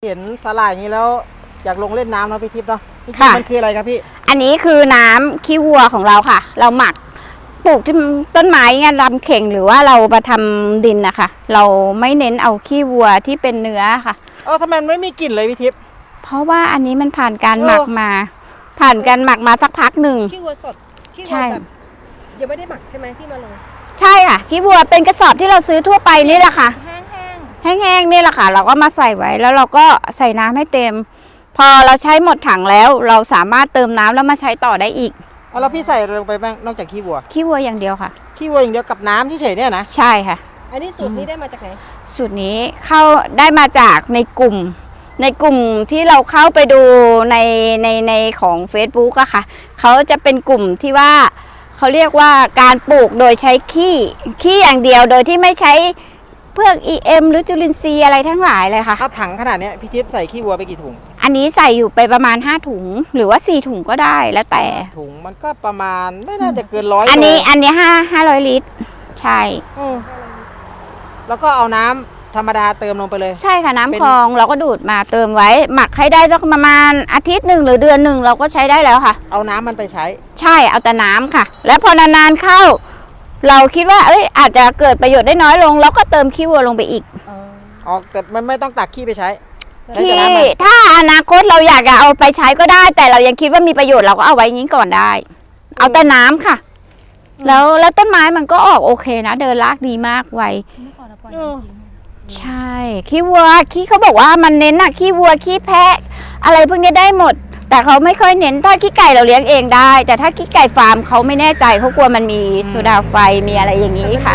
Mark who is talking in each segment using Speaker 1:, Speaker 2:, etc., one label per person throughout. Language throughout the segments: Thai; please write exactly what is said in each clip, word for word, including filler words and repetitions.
Speaker 1: เห็นสาหร่ายอย่างนี้แล้วอยากลงเล่นน้ำเนาะพี่ทิพย์เนาะมันคืออะไรครับพี่
Speaker 2: อันนี้คือน้ำขี้วัวของเราค่ะเราหมักปลูกที่ต้นไม้เงี้ยลำเข่งหรือว่าเรามาทำดินนะคะเราไม่เน้นเอาขี้วัวที่เป็นเนื้อค่ะ
Speaker 1: เออทำไมไม่มีกลิ่นเลยพี่ทิพย์
Speaker 2: เพราะว่าอันนี้มันผ่านการหมักมาผ่านการหมักมาสักพักหนึ่ง
Speaker 3: ขี้วัวสดขี้วัวแบบยังไม่ได้หมักใช่ไหมที่มาลง
Speaker 2: ใช่ค่ะขี้วัวเป็นกระสอบที่เราซื้อทั่วไปนี่แหละค่ะ
Speaker 3: แห้ง
Speaker 2: แห้งๆนี่แหละค่ะเราก็มาใส่ไว้แล้วเราก็ใส่น้ำให้เต็มพอเราใช้หมดถังแล้วเราสามารถเติมน้ำแล้วมาใช้ต่อได้อีก
Speaker 1: เอาแล้วพี่ใส่ลงไปบ้างนอกจากขี้วัว
Speaker 2: ขี้วัวอย่างเดียวค่ะ
Speaker 1: ขี้วัวอย่างเดียวกับน้ำที่เฉยเนี่ยนะ
Speaker 2: ใช่ค่ะ
Speaker 3: อันนี้สูตรนี้ได้มาจากไหน
Speaker 2: สูตรนี้เข้าได้มาจากในกลุ่มในกลุ่มที่เราเข้าไปดูในในในของ Facebook อะค่ะเขาจะเป็นกลุ่มที่ว่าเขาเรียกว่าการปลูกโดยใช้ขี้ขี้อย่างเดียวโดยที่ไม่ใช้เพื่อ อี เอ็ม หรือจุลินทรีย์อะไรทั้งหลายเลยค่ะ
Speaker 1: ถ้าถังขนาดนี้พี่ทิพย์ใส่ขี้วัวไปกี่ถุง
Speaker 2: อันนี้ใส่อยู่ไปประมาณห้าถุงหรือว่าสี่ถุงก็ได้แล้วแต่
Speaker 1: ถุงมันก็ประมาณไม่น่าจะเกินร้อย
Speaker 2: อันนี้อันนี้ห้าห้าร้อยลิตรใช่
Speaker 1: แล้วก็เอาน้ำธรรมดาเติมลงไปเลย
Speaker 2: ใช่ค่ะน้ำคลองเราก็ดูดมาเติมไว้หมักให้ได้สักประมาณอาทิตย์หนึ่งหรือเดือนหนึ่งเราก็ใช้ได้แล้วค่ะ
Speaker 1: เอาน้ำมันไปใช้
Speaker 2: ใช่เอาแต่น้ำค่ะแล้วพอนานๆเข้าเราคิดว่าเอ้ยอาจจะเกิดประโยชน์ได้น้อยลงเราก็เติมขี้วัวลงไปอีก
Speaker 1: อ๋อแต่มันไม่ต้องตักขี้ไปใช้
Speaker 2: ขี้ถ้าอนาคตเราอยากจะเอาไปใช้ก็ได้แต่เรายังคิดว่ามีประโยชน์เราก็เอาไว้อย่างนี้ก่อนได้เอาแต่น้ำค่ะแล้วแล้วต้นไม้มันก็ออกโอเคนะเดินรากดีมากไวใช่ขี้วัวขี้เขาบอกว่ามันเน้นอะขี้วัวขี้แพะอะไรพวกนี้ได้หมดแต่เขาไม่ค่อยเน้นถ้าขี้ไก่เราเลี้ยงเองได้แต่ถ้าขี้ไก่ฟาร์มเขาไม่แน่ใจเขากลัวมันมีโซดาไฟมีอะไรอย่างนี้ค่ะ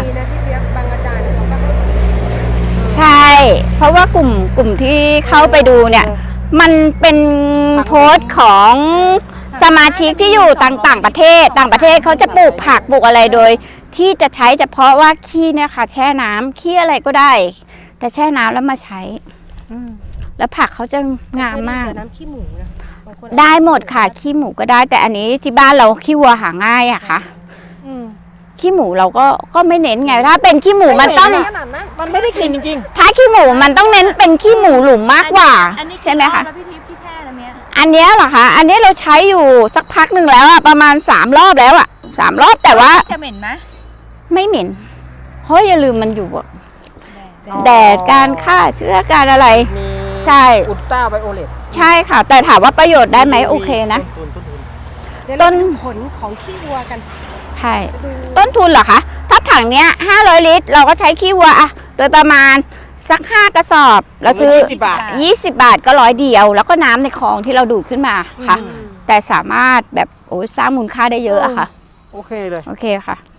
Speaker 2: ใช่เพราะว่ากลุ่มกลุ่มที่เข้าไปดูเนี่ยมันเป็นโพสต์ของสมาชิกที่อยู่ต่างต่างประเทศต่างประเทศเขาจะปลูกผักปลูกอะไรโดยที่จะใช้เฉพาะว่าขี้เนี่ยค่ะแช่น้ำขี้อะไรก็ได้แต่แช่น้ำแล้วมาใช้แล้วผักเขาจะงามมาก
Speaker 3: น้ำขี้หมูนะ
Speaker 2: ได้หมดค่ะขี้หมูก็ได้แต่อันนี้ที่บ้านเราขี้วัวหาง่ายอะค่ะขี้หมูเราก็ก็ไม่เน้นไงถ้าเป็นขี้หมูมันต้อง
Speaker 1: มันไม่ได้กลิ่นจริง
Speaker 2: ๆถ้าขี้หมูมันต้องเน้นเป็นขี้หมูหลุมมากกว่าใช่ไหมคะอันนี้เหรอคะอันนี้เราใช้อยู่สักพักหนึ่งแล้วอะประมาณสามรอบแล้วอะสามรอบแต่ว่า
Speaker 3: จะเหม็นไหม
Speaker 2: ไม่เหม็นเพราะอย่าลืมมันอยู่แดดการฆ่าเชื้อการอะไรใช่
Speaker 1: อุลตราไวโอเลต
Speaker 2: ใช่ค่ะแต่ถามว่าประโยชน์ได้ไหมโอเคนะ
Speaker 3: ต้นผลของขี้วัวกัน
Speaker 2: ใช่ต้นทุนเหรอคะถ้าถังเนี้ยห้าร้อยลิตรเราก็ใช้ขี้วัวอะโดยประมาณสักห้ากระสอบเราซื้อยี่สิบบาทก็ร้อยเดียวแล้วก็น้ำในคลองที่เราดูดขึ้นมาค่ะแต่สามารถแบบโอ้ยสร้างมูลค่าได้เยอะอะค่ะ
Speaker 1: โอเคเลย
Speaker 2: โอเคค่ะ